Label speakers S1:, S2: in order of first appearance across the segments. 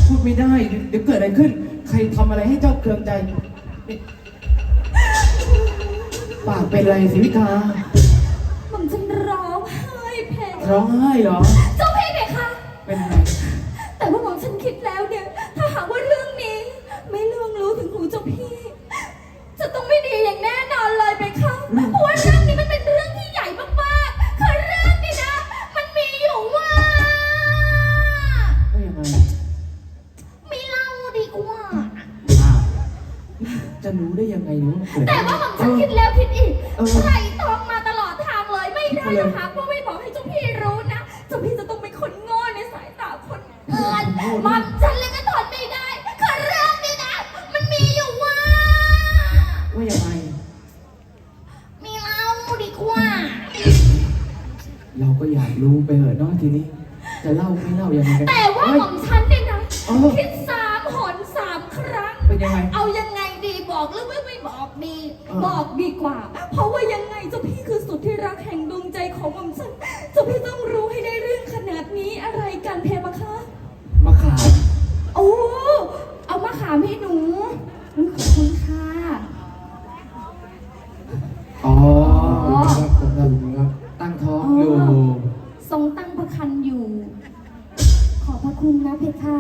S1: พูดไม่ได้เดี๋ยวเกิดอะไรขึ้นใครทำอะไรให้เจ้าเคืองใจปากเป็นไรสิวิกา
S2: ผมฉันร้องไห้เพลง
S1: ร้องไห้เหรอ
S2: เจ้าพี่เพคะ
S1: เป็นไง
S2: แต่ว่าผมฉันคิดแล้วเนี่ยถ้าหากว่าเรื่องนี้ไม่ล่วงรู้ถึงหูเจ้าพี่จะต้องไม่ดีอย่างแน่นอนเลยเพคะเพราะว่าเรื่องนี้มันเป็นเรื่องที่ใหญ่มากๆคือเรื่องนี้นะมันมีอยู่ว่า
S1: ว่ายังไง
S2: ไม่เล่าดีกว่า
S1: จะรู้ได้ยังไงรู้
S2: แต่ว่าผมฉันคิดแล้วคิดอีกใส่ตองมาตลอดทางเลยไม่ได้นะคะเพราะไม่บอกให้เจ้าพี่รู้นะเจ้าพี่จะต้องเป็นคนโง่ในสายตาคนอื่นมันฉันเลยก็ทนไม่ได้คือเรื่องนี้นะมันมีอยู่ว่า
S1: ยังไง
S2: มีเล่าดีกว่า
S1: เราก็อยากรู้ไปเหอะเนาะทีนี้จะเล่าไม่เล่ายังไงกัน
S2: แต่ว่าของฉันเนี่ยนะคิด3 หน 3 ครั้ง
S1: เป็นยังไง
S2: เอายังไงดีบอกหรือไม่บอกดีบอกดีกว่าเพราะว่ายังไงเจ้าพี่คือสุดที่รักแห่งดวงใจของผมฉันเจ้าพี่ต้องรู้ให้ได้เรื่องขนาดนี้อะไรกันเพมะคะ
S1: มะขาม
S2: โอ้เอามะขามให้หนูขอบคุณค่ะ
S1: อ๋อตั้งท้องอยู่
S2: ทรงตั้งพระครรภ์อยู่ขอบพระคุณนะเพคะ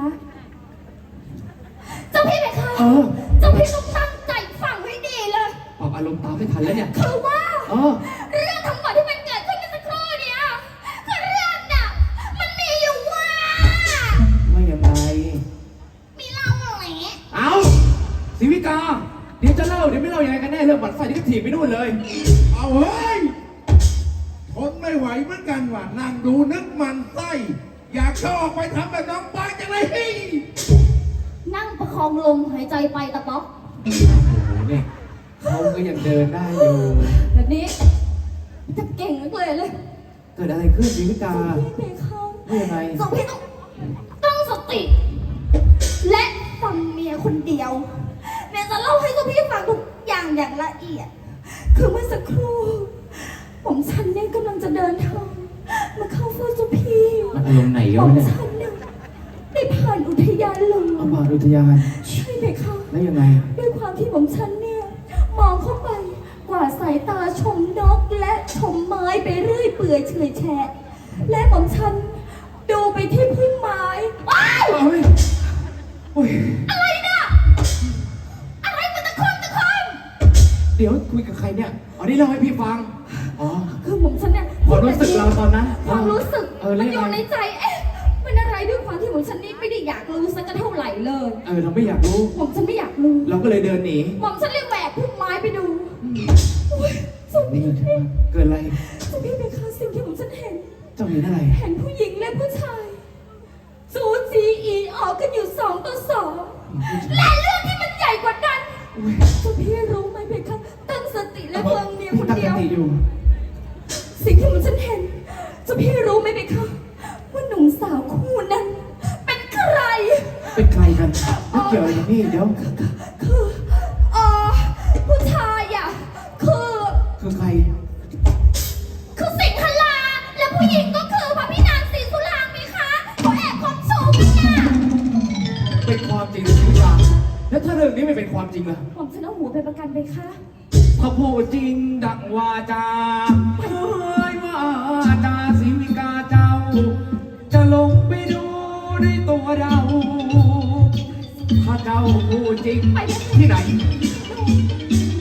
S2: เจ้าพี่เพคะเจ้าพี่ต้องตั้งใจฟังให้ดีเลย
S1: ออกอารมณ์ตามไม่ทันแล้วเนี่ย
S2: คือว่าเรื่องทั้งหมดที่มันเกิดขึ้นเมื่อสักครู่เนี่ยคือเรื่องน่ะมันมีอยู่ว่า
S1: ยังไง
S2: มีเล่าอะไร
S1: เอาศิวิกาเดี๋ยวจะเล่าเดี๋ยวไม่เล่ายังไงกันแน่เรื่องบัตรไฟที่ก็ถีบไปนู่นเลย
S3: เอาเฮ้ยทนไม่ไหวเหมือนกันว่ะนั่งดูนึกมันไส้อยากเข้าออกไปทำแบบน้องปายจังเลย
S2: นั่งประคองลมหายใจไปตะป๊อก
S1: โอ้โหเนี่ยเขาก็ยังเดินได้อยู่
S2: แบบนี้จะเก่งนักเลย
S1: เกิดอะไรขึ้นศิวิกา
S2: พี่เขา
S1: ยังไง
S2: สองพี่ต้องสติและฟังเมียคนเดียวเมียจะเล่าให้กับพี่ฟังทุกอย่างอย่างละเอียดคือเมื่อสักครู่ผมฉันเนี่ยกำลังจะเดินทางมาเข้าเฝ้าเจ้าพี่
S1: มันอารมณ์ไหนวะเนี่ย
S2: ผมฉันเนี่ยได้ผ่านอุทยานเลย
S1: ผ่านอุทยาน
S2: ใช่ไหมคะ
S1: แล้วยังไง
S2: ด้วยความที่ผมฉันเนี่ยมองเข้าไปกว่าสายตาชมนกและชมไม้ไปเรื่อยเปื่อยเฉยแฉะและผมฉันดูไปที่พุ่มไม้ว้าวอะไรเนี่ยอะไรมันตะคุ่ม
S1: เดี๋ยวคุยกับใครเนี่ยอ๋อนี่เล่าให้พี่ฟัง
S2: คือผมฉันเนี่ย
S1: ความรู้สึกเราตอนนั้น
S2: ความรู้สึกมันอยู่ในใจมันอะไรด้วยความที่ผมฉันนี่ไม่ได้อยากรู้สักเท่าไหร่เลย
S1: เราไม่อยากรู้
S2: ผมฉันไม่อยากรู้
S1: เราก็เลยเดินหนี
S2: ผมฉันเลยแหวกพุ่มไม้ไปดู
S1: นี่เกิดอะไร
S2: เจ้าพี่เป็นค่ะสิ่งที่ผมฉันเห็น
S1: เจ้าเห็นอะไร
S2: เห็นผู้หญิงและผู้ชายจูจีอีออกกันอยู่2 ต่อ 2และเรื่องที่มันใหญ่กว่านั้นเจ้าพี่รู้ไหมเพคะตั้งสติและฟังเมียคนเดียวสิ่งที่ผมฉันเห็นเจ้าพี่รู้ไหมเพคะว่าหนุ่มสาวคู่นั้นเป็นใคร
S1: กันไม่เกี่ยวอะไรกับนี่เดี๋ยว
S2: คือผู้ชาย
S1: คือใคร
S2: คือสิงหลาและผู้หญิงก็คือพระพี่นางศรีสุรางค์ไหมคะเขาแอบคบชูกันน่ะ
S1: เป็นความจริงหรือเปล่าแล้วถ้าเรื่องนี้ไม่เป็นความจริงล่ะ
S2: ผมจะเอาหัวไปประกันไปคะ
S1: พระพูดจริงดังวาจาเฮ้ยว่าจาศิวิกาเจ้าจะลงไปดูด้วยตัวเราถ้าเจ้าพูดจริงที่ไหน